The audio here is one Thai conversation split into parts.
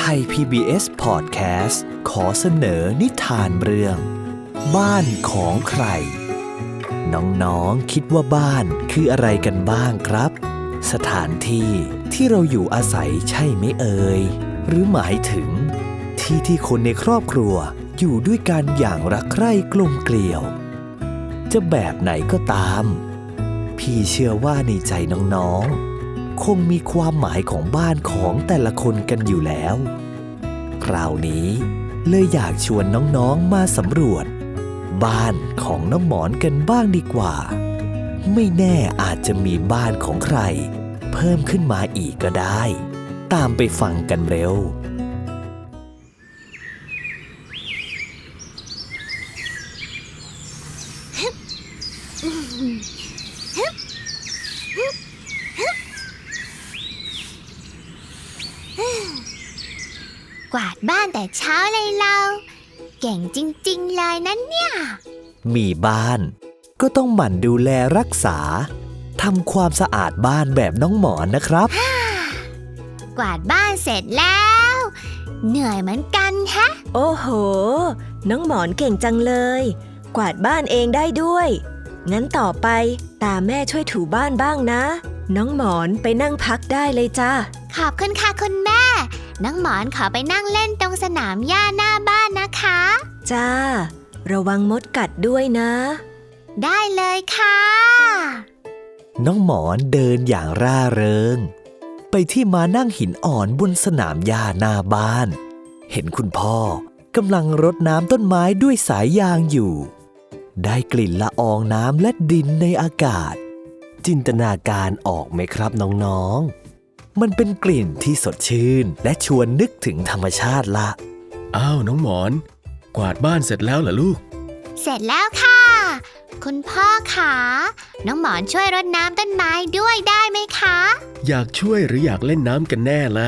ไทย PBS Podcast ขอเสนอนิทานเรื่องบ้านของใครน้องๆคิดว่าบ้านคืออะไรกันบ้างครับสถานที่ที่เราอยู่อาศัยใช่ไหมเอ่ยหรือหมายถึงที่คนในครอบครัวอยู่ด้วยกันอย่างรักใคร่กลมเกลี่ยวจะแบบไหนก็ตามพี่เชื่อว่าในใจน้องๆคงมีความหมายของบ้านของแต่ละคนกันอยู่แล้วคราวนี้เลยอยากชวนน้องๆมาสำรวจบ้านของน้องหมอนกันบ้างดีกว่าไม่แน่อาจจะมีบ้านของใครเพิ่มขึ้นมาอีกก็ได้ตามไปฟังกันเร็วกวาดบ้านแต่เช้าเลยเราเก่งจริงๆเลยนะเนี่ยมีบ้านก็ต้องหมั่นดูแลรักษาทำความสะอาดบ้านแบบน้องหมอนนะครับกวาดบ้านเสร็จแล้วเหนื่อยเหมือนกันฮะโอ้โหน้องหมอนเก่งจังเลยกวาดบ้านเองได้ด้วยงั้นต่อไปตาแม่ช่วยถูบ้านบ้างนะน้องหมอนไปนั่งพักได้เลยจ้าขอบคุณค่ะคุณแม่น้องหมอนขอไปนั่งเล่นตรงสนามหญ้าหน้าบ้านนะคะจ้าระวังมดกัดด้วยนะได้เลยค่ะน้องหมอนเดินอย่างร่าเริงไปที่ม้านั่งหินอ่อนบนสนามหญ้าหน้าบ้านเห็นคุณพ่อกำลังรดน้ำต้นไม้ด้วยสายยางอยู่ได้กลิ่นละอองน้ำและดินในอากาศจินตนาการออกไหมครับน้องๆมันเป็นกลิ่นที่สดชื่นและชวนนึกถึงธรรมชาติละอ้าวน้องหมอนกวาดบ้านเสร็จแล้วเหรอลูกเสร็จแล้วค่ะคุณพ่อคะน้องหมอนช่วยรดน้ำต้นไม้ด้วยได้ไหมคะอยากช่วยหรืออยากเล่นน้ำกันแน่ล่ะ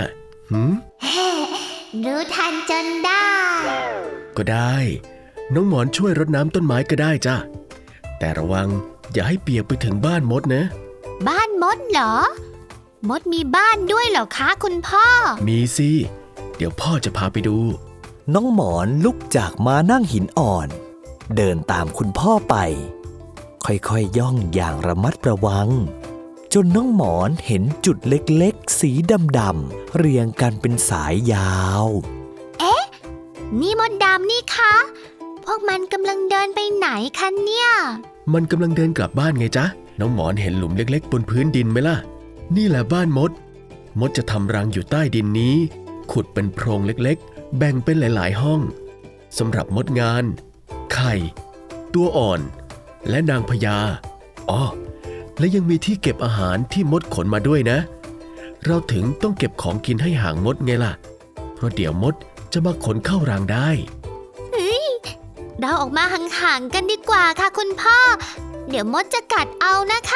รู้ทันจนได้ก็ได้น้องหมอนช่วยรดน้ำต้นไม้ก็ได้จ้ะแต่ระวังอย่าให้เปียกไปถึงบ้านมดนะบ้านมดเหรอมดมีบ้านด้วยเหรอคะคุณพ่อมีสิเดี๋ยวพ่อจะพาไปดูน้องหมอนลุกจากม้านั่งหินอ่อนเดินตามคุณพ่อไปค่อยๆย่องอย่างระมัดระวังจนน้องหมอนเห็นจุดเล็กๆสีดำๆเรียงกันเป็นสายยาวเอ๊ะนี่มดดำนี่คะพวกมันกำลังเดินไปไหนคะเนี่ยมันกำลังเดินกลับบ้านไงจ๊ะน้องหมอนเห็นหลุมเล็กๆบนพื้นดินไหมล่ะนี่แหละบ้านมดจะทำรังอยู่ใต้ดินนี้ขุดเป็นโพรงเล็กๆแบ่งเป็นหลายๆห้องสำหรับมดงานไข่ตัวอ่อนและนางพญาและยังมีที่เก็บอาหารที่มดขนมาด้วยนะเราถึงต้องเก็บของกินให้ห่างมดไงล่ะเพราะเดี๋ยวมดจะมาขนเข้ารังได้เราออกมาห่างๆกันดีกว่าค่ะคุณพ่อเดี๋ยวมดจะกัดเอานะคะ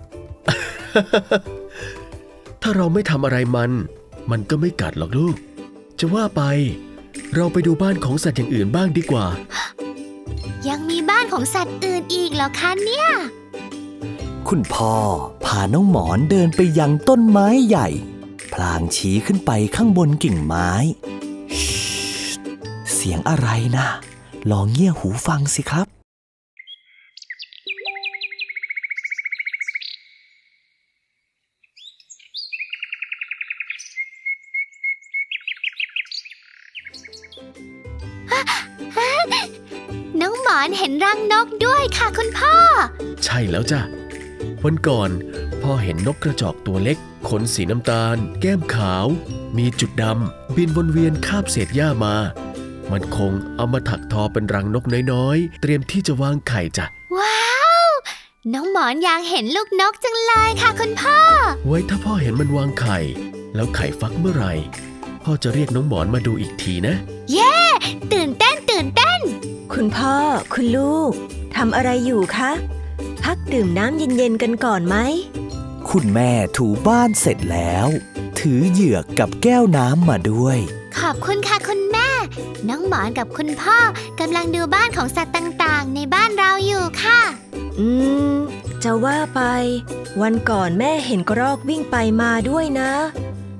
ถ้าเราไม่ทำอะไรมันก็ไม่กัดหรอกลูกจะว่าไปเราไปดูบ้านของสัตว์อย่างอื่นบ้างดีกว่ายังมีบ้านของสัตว์อื่นอีกเหรอคะเนี่ยคุณพ่อพาน้องหมอนเดินไปยังต้นไม้ใหญ่พลางชี้ขึ้นไปข้างบนกิ่งไม้เสียงอะไรนะลองเงี่ยหูฟังสิครับน้องหมอนเห็นรังนกด้วยค่ะคุณพ่อใช่แล้วจ้ะวันก่อนพ่อเห็นนกกระจอกตัวเล็กขนสีน้ำตาลแก้มขาวมีจุดดำบินวนเวียนคาบเศษหญ้ามามันคงเอามาถักทอเป็นรังนกน้อยๆเตรียมที่จะวางไข่จ้ะว้าวน้องหมอนอยากเห็นลูกนกจังเลยค่ะคุณพ่อไว้ถ้าพ่อเห็นมันวางไข่แล้วไข่ฟักเมื่อไหร่พ่อจะเรียกน้องหมอนมาดูอีกทีนะเย้ตื่นเต้นคุณพ่อคุณลูกทำอะไรอยู่คะพักดื่มน้ำเย็นๆกันก่อนไหมคุณแม่ถูบ้านเสร็จแล้วถือเหยือกกับแก้วน้ำมาด้วยขอบคุณค่ะคุณแม่น้องหมอนกับคุณพ่อกำลังดูบ้านของสัตว์ต่างๆในบ้านเราอยู่ค่ะจะว่าไปวันก่อนแม่เห็นกระรอกวิ่งไปมาด้วยนะ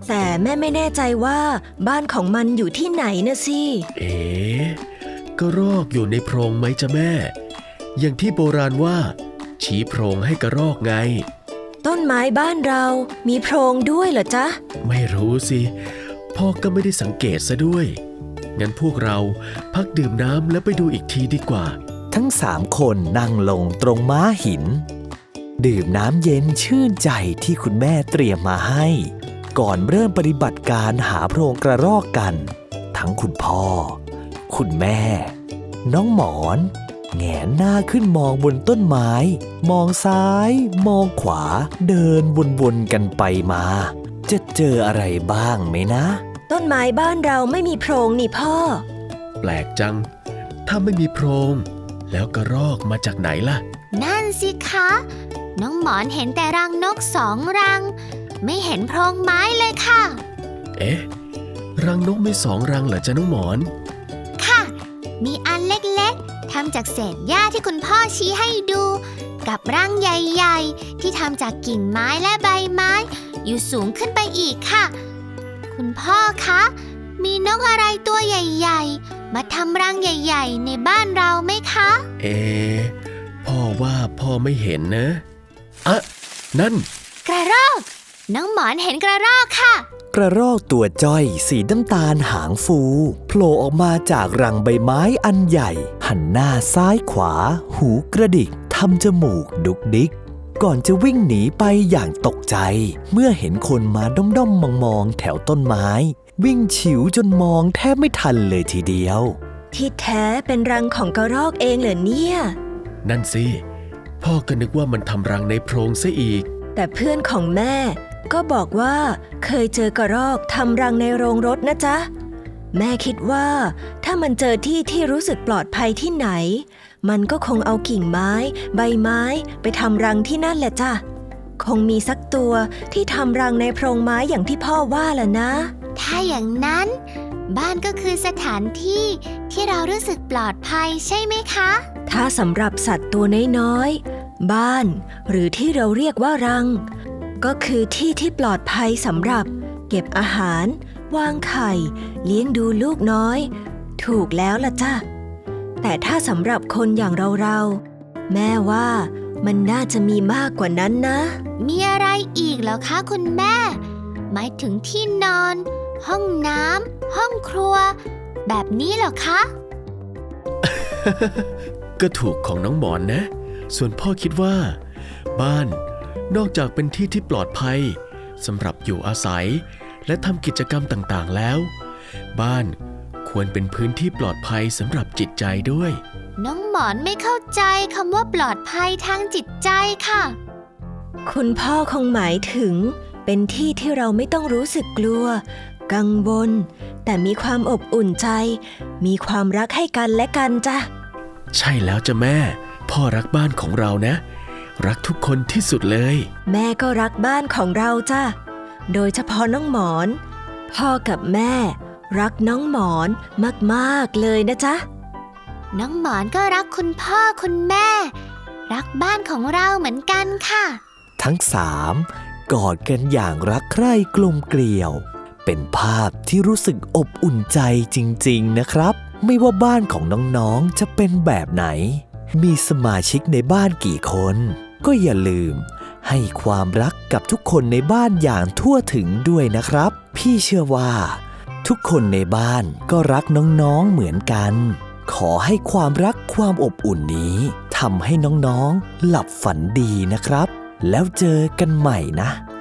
แต่แม่ไม่แน่ใจว่าบ้านของมันอยู่ที่ไหนนะสิกระรอกอยู่ในโพรงไหมจ๊ะแม่ อย่างที่โบราณว่าชี้โพรงให้กระรอกไงต้นไม้บ้านเรามีโพรงด้วยเหรอจ๊ะไม่รู้สิพ่อก็ไม่ได้สังเกตซะด้วยงั้นพวกเราพักดื่มน้ำแล้วไปดูอีกทีดีกว่าทั้ง3 คนนั่งลงตรงม้าหิน ดื่มน้ำเย็นชื่นใจที่คุณแม่เตรียมมาให้ ก่อนเริ่มปฏิบัติการหาโพรงกระรอกกัน ทั้งคุณพ่อ คุณแม่ น้องหมอนแหงนหน้าขึ้นมองบนต้นไม้ มองซ้าย มองขวา เดินวนๆกันไปมา จะเจออะไรบ้างไหมนะต้นไม้บ้านเราไม่มีโพรงนี่พ่อแปลกจัง ถ้าไม่มีโพรงแล้วกระรอกมาจากไหนล่ะนั่นสิคะ น้องหมอนเห็นแต่รังนก2 รัง ไม่เห็นโพรงไม้เลยค่ะรังนกมี2 รังเหรอจ๊ะน้องหมอนค่ะ มีอันเล็กๆทำจากเศษหญ้าที่คุณพ่อชี้ให้ดู กับรังใหญ่ๆที่ทำจากกิ่งไม้และใบไม้ อยู่สูงขึ้นไปอีกค่ะ คุณพ่อคะ มีนกอะไรตัวใหญ่ๆมาทำรังใหญ่ๆในบ้านเราไหมคะพ่อว่าพ่อไม่เห็นนะอะนั่นกระรอก น้องหมอนเห็นกระรอกค่ะกระรอกตัวจ้อยสีน้ำตาลหางฟูโผล่ออกมาจากรังใบไม้อันใหญ่ หันหน้าซ้ายขวา หูกระดิกทำจมูกดุกดิก ก่อนจะวิ่งหนีไปอย่างตกใจ เมื่อเห็นคนมาด้อมๆมองๆแถวต้นไม้ วิ่งฉิวจนมองแทบไม่ทันเลยทีเดียวที่แท้เป็นรังของกระรอกเองเหรอเนี่ยนั่นสิพ่อก็นึกว่ามันทำรังในโพรงซะอีกแต่เพื่อนของแม่ก็บอกว่าเคยเจอกระรอกทำรังในโรงรถนะจ๊ะ แม่คิดว่าถ้ามันเจอที่ที่รู้สึกปลอดภัยที่ไหน มันก็คงเอากิ่งไม้ ใบไม้ไปทำรังที่นั่นแหละจ้ะ คงมีสักตัวที่ทำรังในโพรงไม้อย่างที่พ่อว่าล่ะนะถ้าอย่างนั้น บ้านก็คือสถานที่ที่เรารู้สึกปลอดภัยใช่ไหมคะถ้าสำหรับสัตว์ตัวน้อยๆ บ้านหรือที่เราเรียกว่ารัง ก็คือที่ที่ปลอดภัยสำหรับเก็บอาหาร วางไข่ เลี้ยงดูลูกน้อย ถูกแล้วล่ะจ้ะ แต่ถ้าสำหรับคนอย่างเราๆ แม่ว่ามันน่าจะมีมากกว่านั้นนะมีอะไรอีกเหรอคะคุณแม่ หมายถึงที่นอน ห้องน้ำห้องครัว แบบนี้เหรอคะก็ถูกของน้องหมอนนะ ส่วนพ่อคิดว่า บ้านนอกจากเป็นที่ที่ปลอดภัยสำหรับอยู่อาศัยและทำกิจกรรมต่างๆแล้ว บ้านควรเป็นพื้นที่ปลอดภัยสำหรับจิตใจด้วยน้องหมอนไม่เข้าใจคำว่าปลอดภัยทางจิตใจค่ะคุณพ่อคงหมายถึงเป็นที่ที่เราไม่ต้องรู้สึกกลัว กังวล แต่มีความอบอุ่นใจ มีความรักให้กันและกันจ้ะใช่แล้วจ้ะแม่ พ่อรักบ้านของเรานะ รักทุกคนที่สุดเลยแม่ก็รักบ้านของเราจ้ะ โดยเฉพาะน้องหมอน พ่อกับแม่รักน้องหมอนมากๆเลยนะจ๊ะน้องหมอนก็รักคุณพ่อคุณแม่ รักบ้านของเราเหมือนกันค่ะทั้ง3กอดกันอย่างรักใคร่กลมเกลียว เป็นภาพที่รู้สึกอบอุ่นใจจริงๆนะครับ ไม่ว่าบ้านของน้องๆจะเป็นแบบไหน มีสมาชิกในบ้านกี่คน ก็อย่าลืมให้ความรักกับทุกคนในบ้านอย่างทั่วถึงด้วยนะครับ พี่เชื่อว่า ทุกคนในบ้านก็รักน้องๆเหมือนกัน ขอให้ความรักความอบอุ่นนี้ทำให้น้องๆหลับฝันดีนะครับ แล้วเจอกันใหม่นะ